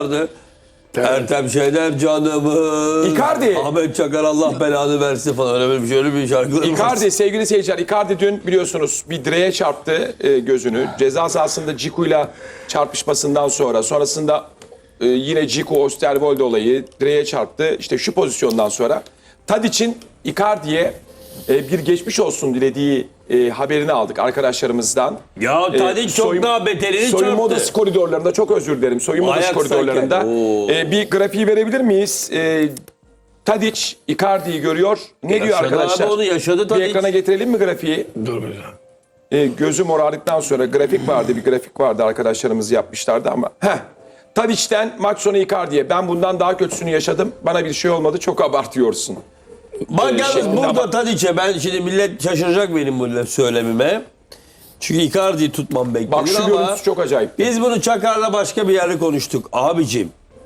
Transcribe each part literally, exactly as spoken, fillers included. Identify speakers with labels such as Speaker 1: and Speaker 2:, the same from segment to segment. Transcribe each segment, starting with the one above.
Speaker 1: vardı. Ertem Şener canımı.
Speaker 2: Icardi.
Speaker 1: Ahmet Çakar Allah belanı versin falan. Öyle bir, şöyle bir şarkılar var.
Speaker 2: Icardi sevgili seyirciler. Icardi dün biliyorsunuz bir direğe çarptı e, gözünü. Ceza sahasında Dziku'yla çarpışmasından sonra. Sonrasında e, yine Dziku Osterwolde olayı direğe çarptı. İşte şu pozisyondan sonra. Tadic'in Icardi'ye e, bir geçmiş olsun dilediği e, haberini aldık arkadaşlarımızdan.
Speaker 1: Ya Tadic
Speaker 2: E,
Speaker 1: çok
Speaker 2: soyun-
Speaker 1: daha beterini
Speaker 2: Soyunma
Speaker 1: çarptı.
Speaker 2: odası koridorlarında çok özür dilerim. Soyunma odası
Speaker 1: Ajax'tayken.
Speaker 2: koridorlarında
Speaker 1: Oo.
Speaker 2: e, bir grafiği verebilir miyiz? E, Tadic Icardi'yi görüyor. Ne diyor
Speaker 1: Yaşadı
Speaker 2: arkadaşlar?
Speaker 1: abi onu, yaşadı
Speaker 2: Bir
Speaker 1: Tadic.
Speaker 2: ekrana getirelim mi grafiği?
Speaker 3: Dur bir
Speaker 2: E, gözüm morardıktan sonra grafik vardı. Bir grafik vardı arkadaşlarımız yapmışlardı ama. Heh. Tadic'ten maç sonu Icardi'ye. Ben bundan daha kötüsünü yaşadım. Bana bir şey olmadı. Çok abartıyorsun.
Speaker 1: Bak
Speaker 2: Ee,
Speaker 1: yalnız
Speaker 2: şeklinde
Speaker 1: burada
Speaker 2: ama-
Speaker 1: Tadic'e ben şimdi millet şaşıracak benim bu söylemime. Çünkü Icardi'yi tutmam beklenir
Speaker 2: Bak şu
Speaker 1: ama
Speaker 2: görüntüsü çok acayip.
Speaker 1: biz bunu Çakar'la başka bir yerde konuştuk. Abicim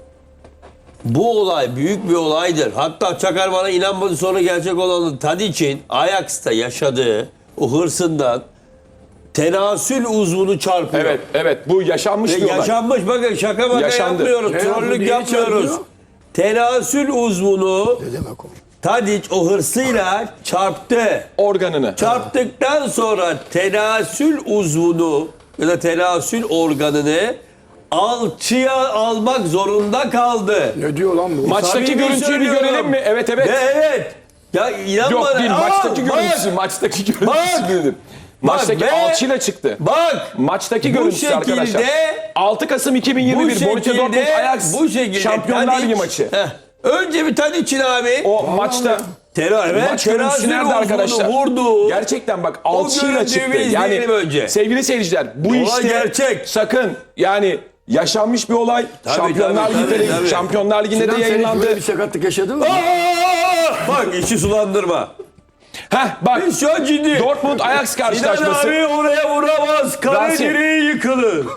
Speaker 1: bu olay büyük bir olaydır. Hatta Çakar bana inanmadı, sonra gerçek olanı Tadic'in Ajax'ta yaşadığı o hırsından tenasül uzvunu çarpıyor.
Speaker 2: Evet, evet. Bu yaşanmış
Speaker 1: Ve
Speaker 2: bir olay.
Speaker 1: yaşanmış, bakın şaka baka
Speaker 2: Yaşandı.
Speaker 1: yapmıyoruz.
Speaker 3: Ne yapıyor,
Speaker 1: Trollük
Speaker 3: niye
Speaker 1: yapmıyoruz.
Speaker 3: çarpıyor?
Speaker 1: Tenasül uzvunu
Speaker 3: Ne demek o?
Speaker 1: Tadic o hırsıyla çarptı.
Speaker 2: Organını.
Speaker 1: Çarptıktan sonra tenasül uzvunu ya da tenasül organını alçıya almak zorunda kaldı.
Speaker 3: Ne diyor lan bu?
Speaker 2: Maçtaki
Speaker 1: Samimi
Speaker 2: görüntüyü bir
Speaker 1: söylüyorum.
Speaker 2: görelim mi? Evet, evet.
Speaker 1: Ve evet. Ya inanma.
Speaker 2: Yok değil.
Speaker 1: Aa,
Speaker 2: Maçtaki
Speaker 1: bak,
Speaker 2: görüntüsü. Maçtaki görüntüsü
Speaker 1: Bak.
Speaker 2: dedim. Maçtaki
Speaker 1: ve-
Speaker 2: alçıyla çıktı.
Speaker 1: Bak.
Speaker 2: Maçtaki
Speaker 1: Bu
Speaker 2: görüntüsü
Speaker 1: şekilde-
Speaker 2: arkadaşlar. altı Kasım iki bin yirmi
Speaker 1: Bu
Speaker 2: bir Borussia
Speaker 1: şekilde,
Speaker 2: Dortmund Ajax
Speaker 1: bu şekilde
Speaker 2: Şampiyonlar Ligi
Speaker 1: Tadic-
Speaker 2: maçı.
Speaker 1: Heh. Önce bir Tadic'in abi.
Speaker 2: O maçta
Speaker 1: Tera, evet,
Speaker 2: maç görüntüsü
Speaker 1: tenasül
Speaker 2: nerede
Speaker 1: uzvunu
Speaker 2: arkadaşlar?
Speaker 1: vurdu.
Speaker 2: Gerçekten bak alçıyla
Speaker 1: görüntüyü
Speaker 2: çıktı.
Speaker 1: bir
Speaker 2: Yani
Speaker 1: izleyelim önce.
Speaker 2: sevgili seyirciler bu
Speaker 1: Olay
Speaker 2: işte
Speaker 1: gerçek.
Speaker 2: sakın yani yaşanmış bir olay.
Speaker 1: Tabii,
Speaker 2: Şampiyonlar
Speaker 1: tabii,
Speaker 2: Ligi'nde
Speaker 1: tabii, tabii.
Speaker 2: Şampiyonlar Ligi'nde
Speaker 3: Sinan
Speaker 2: de
Speaker 3: sen hiç
Speaker 2: yayınlandı.
Speaker 3: böyle bir sakatlık yaşadın mı?
Speaker 1: Aa! Bak işi sulandırma.
Speaker 2: Heh bak
Speaker 1: Biz şu an ciddi.
Speaker 2: Dortmund Ajax
Speaker 1: Sinan
Speaker 2: karşılaşması.
Speaker 1: abi oraya vuramaz. Kale
Speaker 2: Rasim.
Speaker 1: direği yıkılır.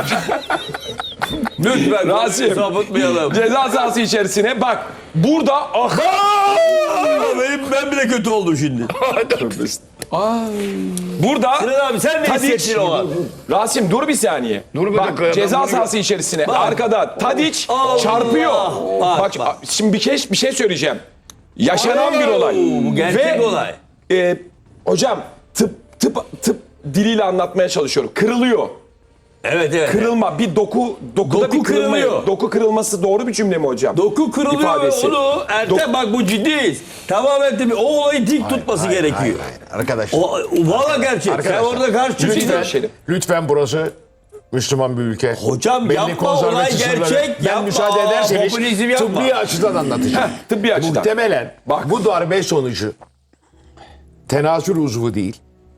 Speaker 1: Lütfen
Speaker 2: Rasim.
Speaker 1: sapıtmayalım.
Speaker 2: Ceza sahası içerisine bak. Burada ah
Speaker 1: Aa, benim, ben bile kötü oldum şimdi.
Speaker 2: burada
Speaker 1: Sinan abi sen ne
Speaker 2: Tadic-
Speaker 1: hissettin o an?
Speaker 2: Rasim dur bir saniye.
Speaker 3: Dur bir
Speaker 2: bak,
Speaker 3: dakika ya, ben
Speaker 2: ceza
Speaker 3: bunu-
Speaker 2: sahası içerisine arkada Tadic
Speaker 1: Allah.
Speaker 2: çarpıyor.
Speaker 1: Bak,
Speaker 2: Bak,
Speaker 1: bak.
Speaker 2: şimdi bir şey bir şey söyleyeceğim. Yaşanan bir olay.
Speaker 1: Bu gerçek
Speaker 2: Ve,
Speaker 1: olay.
Speaker 2: e, hocam tıp tıp tıp diliyle anlatmaya çalışıyorum. Kırılıyor.
Speaker 1: Evet evet.
Speaker 2: Kırılma bir doku dokuda
Speaker 1: Doku
Speaker 2: bir kırılma.
Speaker 1: kırılıyor.
Speaker 2: Doku kırılması doğru bir cümle mi hocam?
Speaker 1: Doku kırılıyor
Speaker 2: İfadesi.
Speaker 1: ve onu Ertem
Speaker 2: Dok-
Speaker 1: bak bu ciddiyiz. Tamamen tabii o olayı dik tutması gerekiyor.
Speaker 4: Hayır, hayır. Arkadaşlar,
Speaker 1: O, valla gerçek. Sen
Speaker 4: Arkadaşlar,
Speaker 1: orada karşı
Speaker 2: Lütfen.
Speaker 1: çıkacaksın.
Speaker 2: Şerif.
Speaker 4: lütfen burası Müslüman bir ülke.
Speaker 1: Hocam
Speaker 4: Belli
Speaker 1: yapma,
Speaker 4: konservatif
Speaker 1: olay
Speaker 4: sınırları-
Speaker 1: gerçek,
Speaker 4: Ben
Speaker 1: yapma.
Speaker 4: müsaade
Speaker 1: Aa,
Speaker 4: ederseniz
Speaker 1: popülizm yapma.
Speaker 4: tıbbi açıdan anlatacağım.
Speaker 2: Heh, tıbbi açıdan.
Speaker 4: Muhtemelen
Speaker 2: Bak.
Speaker 4: bu darbe sonucu tenasül uzvu değil,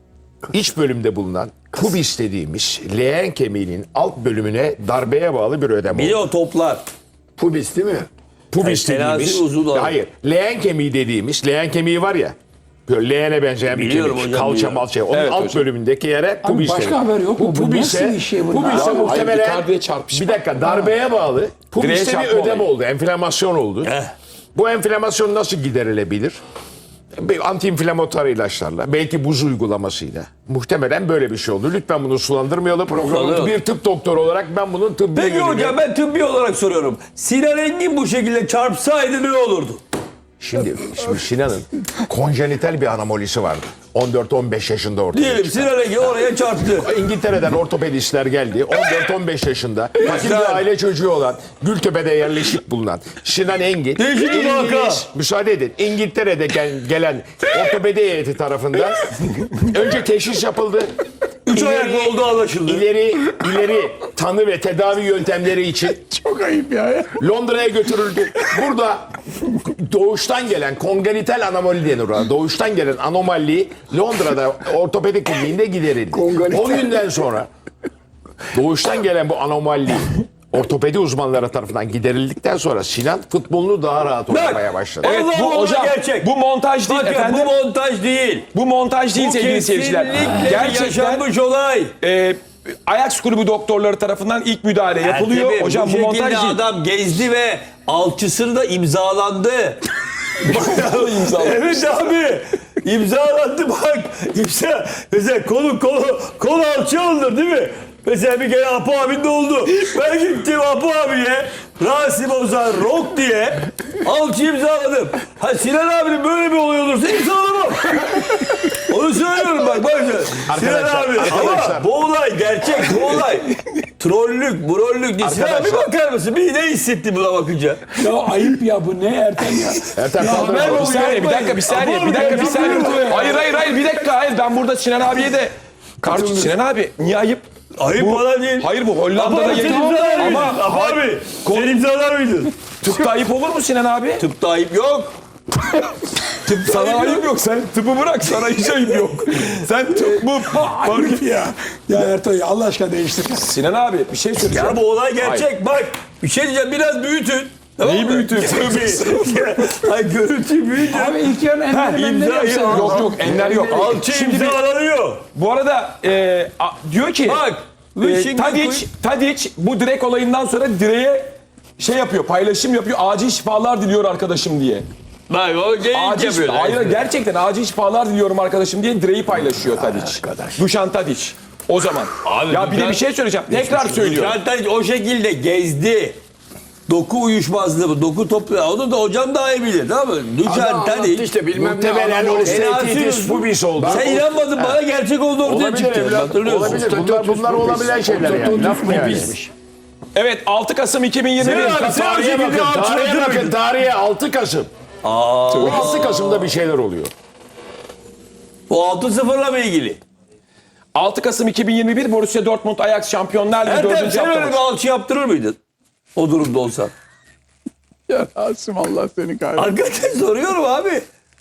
Speaker 4: iç bölümde bulunan pubis dediğimiz leğen kemiğinin alt bölümüne darbeye bağlı bir ödem
Speaker 1: Bir de
Speaker 4: oldu.
Speaker 1: o toplar.
Speaker 3: Pubis değil mi?
Speaker 4: Pubis
Speaker 1: Yani tenasül
Speaker 4: dediğimiz,
Speaker 1: uzvu da-
Speaker 4: hayır, leğen kemiği dediğimiz, leğen kemiği var ya, böyle leğene benzeyen bir
Speaker 1: Biliyorum
Speaker 4: kemik,
Speaker 1: hocam,
Speaker 4: kalça
Speaker 1: biliyorum.
Speaker 4: malça, onun
Speaker 2: Evet
Speaker 4: alt
Speaker 2: hocam.
Speaker 4: bümündeki yere pubis
Speaker 3: başka
Speaker 4: denir.
Speaker 3: haber yok mu? Bu
Speaker 4: pubise,
Speaker 3: nasıl bir şey bu?
Speaker 4: Pubise
Speaker 3: Ya,
Speaker 4: muhtemelen,
Speaker 2: hayır, Icardi'ye çarpışma.
Speaker 4: bir dakika, darbeye bağlı,
Speaker 2: Direğe
Speaker 4: pubiste bir
Speaker 2: çarpma
Speaker 4: ödem
Speaker 2: olayı.
Speaker 4: oldu, enflamasyon oldu.
Speaker 1: Eh.
Speaker 4: Bu enflamasyon nasıl giderilebilir? Bir antiinflamatuar ilaçlarla, belki buz uygulamasıyla. Muhtemelen böyle bir şey oldu. Lütfen bunu sulandırmayalım.
Speaker 1: Sulandıralım.
Speaker 4: Bir tıp doktoru olarak ben bunun tıbbi
Speaker 1: Peki
Speaker 4: yönünü-
Speaker 1: hocam ben tıbbi olarak soruyorum. Sinan Engin bu şekilde çarpsaydı ne olurdu?
Speaker 4: Şimdi, şimdi Sinan'ın konjenital bir anomolisi vardı. on dört on beş yaşında ortaya
Speaker 1: Diyelim
Speaker 4: çıktı.
Speaker 1: Sinan Engin oraya çarptı.
Speaker 4: İngiltere'den ortopedistler geldi. on dört on beş yaşında fakir bir aile çocuğu olan Gültepe'de yerleşik bulunan Sinan Engin.
Speaker 1: Değişik bir
Speaker 4: İngiliz-
Speaker 1: vaka.
Speaker 4: Müsaade edin. İngiltere'de gel- gelen ortopedi heyeti tarafından önce teşhis yapıldı.
Speaker 1: Üç
Speaker 4: İleri-
Speaker 1: ayaklı olduğu anlaşıldı.
Speaker 4: İleri, ileri tanı ve tedavi yöntemleri için
Speaker 3: Çok ayıp ya.
Speaker 4: Londra'ya götürüldü. Burada doğuştan gelen kongenital anomali denir ona. Doğuştan gelen anomali Londra'da ortopedi kliniğinde giderildi.
Speaker 3: Kongenital.
Speaker 4: O günden sonra doğuştan gelen bu anomali ortopedi uzmanları tarafından giderildikten sonra Sinan futbolunu daha rahat oynamaya başladı.
Speaker 2: Evet
Speaker 1: Allah
Speaker 2: bu
Speaker 1: Allah,
Speaker 2: hocam
Speaker 1: gerçek.
Speaker 2: bu montaj değil
Speaker 1: Bakın
Speaker 2: efendim.
Speaker 1: bu montaj değil.
Speaker 2: Bu montaj değil
Speaker 1: Bu
Speaker 2: sevgili seyirciler.
Speaker 1: kesinlikle
Speaker 2: Gerçekten
Speaker 1: yaşanmış olay.
Speaker 2: e, Ajax kulübü doktorları tarafından ilk müdahale yapılıyor.
Speaker 1: Ertem'im,
Speaker 2: Hocam bu,
Speaker 1: bu
Speaker 2: montaj
Speaker 1: şekilde
Speaker 2: değil.
Speaker 1: adam gezdi ve alçısını da imzalandı.
Speaker 2: İmzalı.
Speaker 1: Evet abi. İmzalandı bak. İmza. Mesela kolu kolu kol alçı alınır değil mi? Mesela bir kere Apo abinin de oldu. Ben gittim Apo abiye Rasim Ozan Rock diye alçı imzaladım. Ha Sinan abinin böyle bir olay olursa imzalamam. Onu söylüyorum bak bak. Sinan
Speaker 4: Arkadaşlar,
Speaker 1: abi
Speaker 4: arkadaşlar.
Speaker 1: ama bu olay gerçek bu olay. Trollük, brollük değil. Sinan abi
Speaker 4: Arkadaşlar.
Speaker 1: bakar mısın? Bir ne hissetti buna bakınca?
Speaker 5: Ya ayıp ya bu ne Ertem ya.
Speaker 4: Ertem kaldır.
Speaker 1: ben
Speaker 4: bakalım.
Speaker 2: Bir saniye, bir dakika, bir saniye, bir dakika, bir saniye. Hayır, hayır, hayır, bir dakika, hayır. Ben burada Sinan abiye de... Kardeşim Sinan abi, niye ayıp?
Speaker 1: Ayıp
Speaker 2: Bu-
Speaker 1: falan değil.
Speaker 2: Hayır bu
Speaker 1: Apo
Speaker 2: Hollanda'da
Speaker 1: abi sen
Speaker 2: yayın...
Speaker 1: imzalar mıydın?
Speaker 2: Ama
Speaker 1: Apo abi sen imzalar mıydın?
Speaker 2: tıpta ayıp olur mu Sinan abi?
Speaker 1: Tıpta ayıp yok. Tıpta
Speaker 2: Sana ayıp yok, sen tıpı bırak, sana hiç ayıp yok. Sen tıp mı?
Speaker 5: Ayıp ya. Ya Ertem Allah aşkına değiştir.
Speaker 2: Sinan abi, bir şey söyleyeceğim.
Speaker 1: Ya bu olay gerçek. Bak bir şey diyeceğim biraz büyütün. Tamam
Speaker 2: Neyi
Speaker 1: mı?
Speaker 2: büyütün?
Speaker 1: Ay görüntü büyütün.
Speaker 5: Abi ilk yarın Ender'i
Speaker 1: imza-
Speaker 5: Mender'i yapsana.
Speaker 2: Yok yok, enler yok.
Speaker 1: Alçı
Speaker 2: Şimdi
Speaker 1: imzalanıyor.
Speaker 2: bu arada e, a- diyor ki...
Speaker 1: Bak.
Speaker 2: e,
Speaker 1: şimdi
Speaker 2: Tadic, Tadic bu direk olayından sonra direğe şey yapıyor, paylaşım yapıyor. Acil şifalar diliyor arkadaşım diye.
Speaker 1: Bak o geyik
Speaker 2: Acil
Speaker 1: yapıyor.
Speaker 2: şifa, hayır gerçekten acil şifalar diliyorum arkadaşım diye direği paylaşıyor Tadic. Dušan Tadic. O zaman.
Speaker 1: Abi,
Speaker 2: ya bir de
Speaker 1: Dušan-
Speaker 2: bir şey söyleyeceğim. Tekrar söylüyorum.
Speaker 1: Zaten o şekilde gezdi. Doku uyuşmazlığı, doku toplu. Onu da hocam daha iyi bilir. Tamam mı? Dušan
Speaker 3: Anlattı
Speaker 1: Tadic.
Speaker 3: işte bilmem ne.
Speaker 4: Muhtemelen
Speaker 3: adam
Speaker 4: o
Speaker 3: orada-
Speaker 4: statitis pubis oldu.
Speaker 1: Sen inanmadın bana gerçek oldu ortaya
Speaker 4: Olabilir
Speaker 1: çıktı.
Speaker 4: evlat.
Speaker 1: Hatırlıyorsun.
Speaker 4: Olabilir. Bunlar, bunlar olabilen şeyler yani. Laf mı yani?
Speaker 2: Evet altı Kasım iki bin yirmi bir.
Speaker 1: Sinan abi, sen o
Speaker 4: Tarihe
Speaker 1: şekilde
Speaker 4: bakın, tarihe
Speaker 1: alçı
Speaker 4: bakın, tarihe altı Kasım. Bu altı Kasım'da bir şeyler oluyor.
Speaker 1: Bu altı sıfırla mı ilgili?
Speaker 2: altı Kasım iki bin yirmi bir Borussia Dortmund Ajax Şampiyonlar Ligi
Speaker 1: Ertem
Speaker 2: dördüncü
Speaker 1: sen öyle
Speaker 2: hafta
Speaker 1: bir alçı yaptırır mıydın? O durumda olsan.
Speaker 5: Ya Rasim Allah seni kahretsin.
Speaker 1: Arkadaşlar soruyorum abi.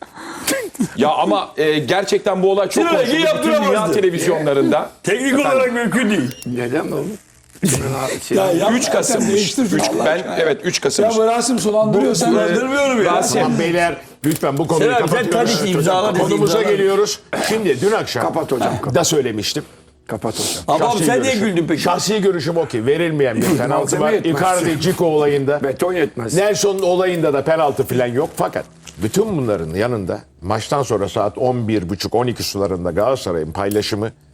Speaker 2: Ya ama e, gerçekten bu olay çok
Speaker 1: Sinan Engin
Speaker 2: konuşuldu. Bütün dünya
Speaker 1: yaptıramazdı.
Speaker 2: televizyonlarında.
Speaker 1: Teknik olarak mümkün değil.
Speaker 3: Neden mi oğlum?
Speaker 5: Ya yapma,
Speaker 2: üç Kasım.
Speaker 5: Ertem değiştir şunu
Speaker 2: Üç-
Speaker 5: Allah
Speaker 2: ben
Speaker 5: aşkına.
Speaker 2: evet üç Kasım.
Speaker 5: Ya bu Rasim sulandırıyor sen.
Speaker 1: Kullandırmıyorum ya.
Speaker 2: Rasim.
Speaker 4: Tamam beyler lütfen bu konuyu
Speaker 1: Sinan abi, sen
Speaker 4: kapatıyoruz.
Speaker 1: Tadic imzala dedi,
Speaker 4: Konumuza
Speaker 1: imzala.
Speaker 4: geliyoruz. Şimdi dün akşam
Speaker 3: Kapat hocam, kapat.
Speaker 4: da söylemiştim.
Speaker 3: Kapat hocam.
Speaker 1: Ama
Speaker 4: Şahsi
Speaker 1: sen niye
Speaker 4: görüşüm.
Speaker 1: güldün peki?
Speaker 4: Şahsi görüşüm o ki verilmeyen bir penaltı
Speaker 3: Malzeme
Speaker 4: var.
Speaker 3: yetmez.
Speaker 4: Icardi Cico olayında.
Speaker 3: Beton yetmez.
Speaker 4: Nelson'un olayında da penaltı falan yok. Fakat bütün bunların yanında maçtan sonra saat on bir buçuk on iki sularında Galatasaray'ın paylaşımı